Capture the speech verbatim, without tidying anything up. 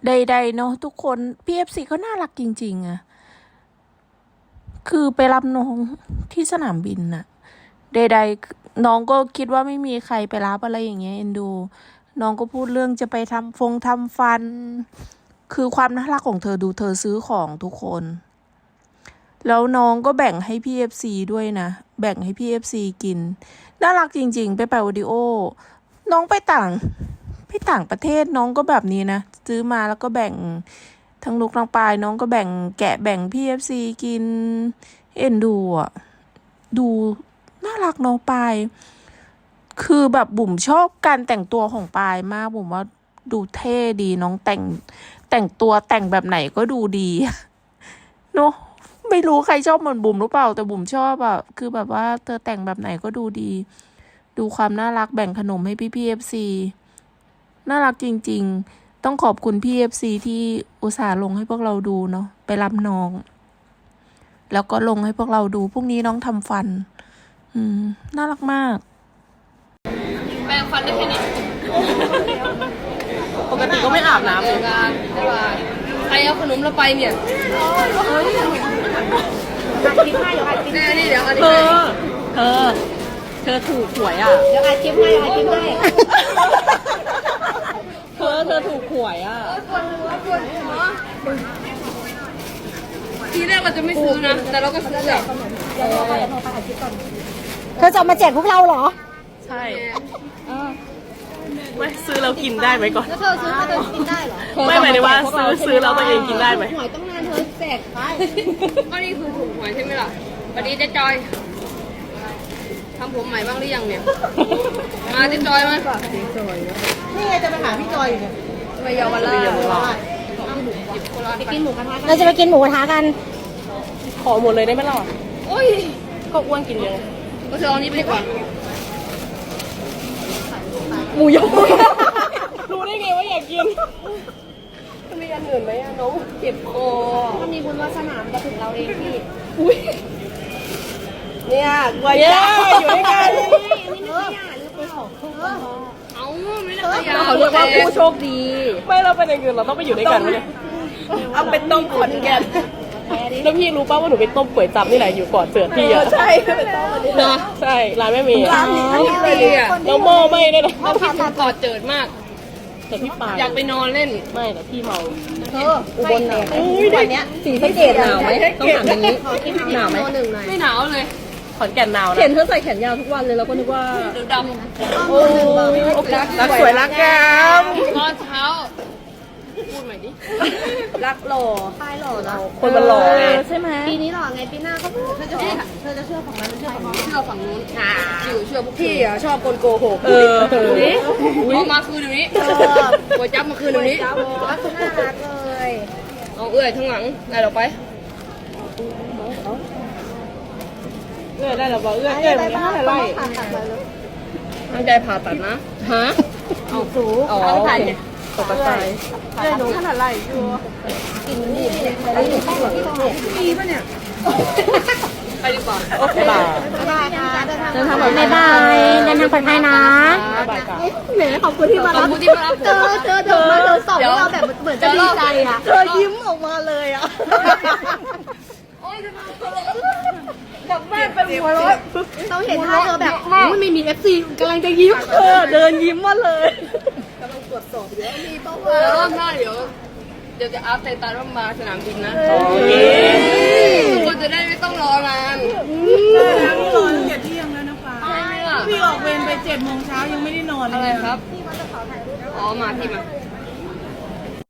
ใดๆเนาะทุกคนพี่เอฟซีเขาน่ารักจริงๆอะคือไปรับน้องที่สนามบินน่ะใดๆน้องก็คิดว่าไม่มีใครไปรับอะไรอย่างเงี้ยเอ็นดูน้องก็พูดเรื่องจะไปทำฟงทำฟันคือความน่ารักของเธอดูเธอซื้อของทุกคนแล้วน้องก็แบ่งให้พี่เอฟซีด้วยนะแบ่งให้พี่เอฟซีกินน่ารักจริงๆไปไปวิดีโอน้องไปต่างไปต่างประเทศน้องก็แบบนี้นะซื้อมาแล้วก็แบ่งทั้งลูกทั้งปลายน้องก็แบ่งแกะแบ่งพี่เอฟซีกินเอ็นดูอ่ะดูน่ารักน้องปายคือแบบบุ๋มชอบการแต่งตัวของปายมากบุ๋มว่าดูเท่ดีน้องแต่งแต่งตัวแต่งแบบไหนก็ดูดีเนาะไม่รู้ใครชอบเหมือนบุ๋มหรือเปล่าแต่บุ๋มชอบอ่ะคือแบบว่าเธอแต่งแบบไหนก็ดูดีดูความน่ารักแบ่งขนมให้พี่พี่เอฟซีน่ารักจริงๆต้องขอบคุณพี่เอฟซีที่อุตส่าห์ลงให้พวกเราดูเนาะไปรับน้องแล้วก็ลงให้พวกเราดูพรุ่งนี้น้องทำฟันอืมน่ารักมากแปรงฟันได้แค่นี้ปกติก็ไม่อาบน้ำเลยใครเอาขนมเราไปเนี่ยแน่นี่เดี๋ยวอันเธนี้อเธอเธอถูกหวยอ่ะเดี๋ยวอาชิมให้อาชิมให้เธอเธอถูกหวยอ่ะทีแรกเราจะไม่ซื้อนะแต่เราก็ซื้ออ่ะเธอจะมาแจกพวกเราเหรอใช่ไม่ซื้อแล้วกินได้ไหมก่อนแล้วเธอซื้อเธอกินได้เหรอไม่หมายถึงว่าซื้อซื้อแล้วตัวเองกินได้ไหมหวยต้องนานเธอแจกไปก็นี่คือถูกหวยใช่ไหมล่ะสวัสดีเจ๊จอยทำผมใหม่บ้างหรือยังเนี่ยมาเจ๊จอยมานี่ไงจะไปหาพี่จอยอยู่เนี่ยไปเยาวราชไปกินหมูกระทะเราจะไปกินหมูกระทะกันขอหมดเลยได้ไหมล่ะโอ้ยก็อ้วนกินเยอะก็เธอเอานี้ไปดีกว่าหมูยอรู้ได้ไงว่าอยากกินมีอันอื่นไหมอะน้องเจ็บคอถ้ามีบุญวาสนาจะถึงเราเองพี่อุ้ยเนี่ยกลัวจ้าอยู่ด้วยกันนี่ไม่ได้อ่ะหรือไปสองคู่เอาไม่ได้ยาเขาเรียกว่าผู้โชคดีไม่เราเป็นอย่างอื่นเราต้องไปอยู่ด้วยกันไหมเนี่ยเอาเป็นต้มขอนแก่นแล้วพี่รู้ป่าวว่าหนูไปต้มก๋วยจั๊บนี่แหละอยู่ก่อนเสือพี่อ่ะใช่เนาะใช่ร้านแม่เมย์ร้านนี้ไม่ดีอ่ะแล้วโม่ไม่ได้หรอเราพี่ถึงกอดเจิดมากแต่พี่ปาอยากไปนอนเล่นไม่แต่พี่เมาเธออุบลหนาววันนี้สีสะเกดหนาวไหมต้องถามอย่างนี้หนาวไหมไม่หนาวเลยขอนแก่นหนาวนะเห็นเธอใส่แขนยาวทุกวันเลยเราก็นึกว่าเดือดดำโอ้รักสวยรักงามตอนเช้าพูดใหม่ดิรักหล่อป้ายหล่อเราคนมันหล่อไงใช่ไหมปีนี้หล่อไงปีหน้าก็เธอจะเชื่อเธอจะเชื่อฝั่งนั้นเชื่อฝั่งนี้เชื่อฝั่งนู้นอยู่เชื่อพวกพี่อ่ะชอบคนโกหกเออเอามาคืนเดี๋ยวนี้ก๋วยจั๊บมาคืนเดี๋ยวนี้รักคุณน่ารักเลยเอาเอื้อยทั้งหลังได้หรอไปเอื้อยได้หรอบอกเอื้อยเอื้อยมันไม่ได้ไล่ตั้งใจผ่าตัดนะฮะเอาสูงอ๋อตกใจเอื้อยหนูขนาดไรอยู่กินนี่อะไรอยู่ข้างหลังปีป่ะเนี่ยไปดีกว่าโอเคบายบายค่ะเดินทางปลอดภัยบายเดินทางปลอดภัยนะแหมขอบคุณที่มารับเจอเจอเธอมาเธอสอบเราแบบเหมือนจะดีใจอ่ะเธอยิ้มออกมาเลยอ่ะกลับบ้านไปหัวร้อนเราเห็นท่าเธอแบบไม่มีเอฟซีกำลังจะยิ้มเออเดินยิ้มมาเลยกำลังตรวจสอบเยอะมีเป้าหมายรอบหน้าเดี๋ยวเดี๋ยวจะอัพไตตันว่ามาสนามบินนะโอเคทุกคนจะได้ไม่ต้องรอนานพี่รอตั้งแต่เที่ยงแล้วนะฟ้าพี่ออกเวรไปเจ็ดโมงเช้ายังไม่ได้นอนเลยอะไรครับอ๋อมาที่มา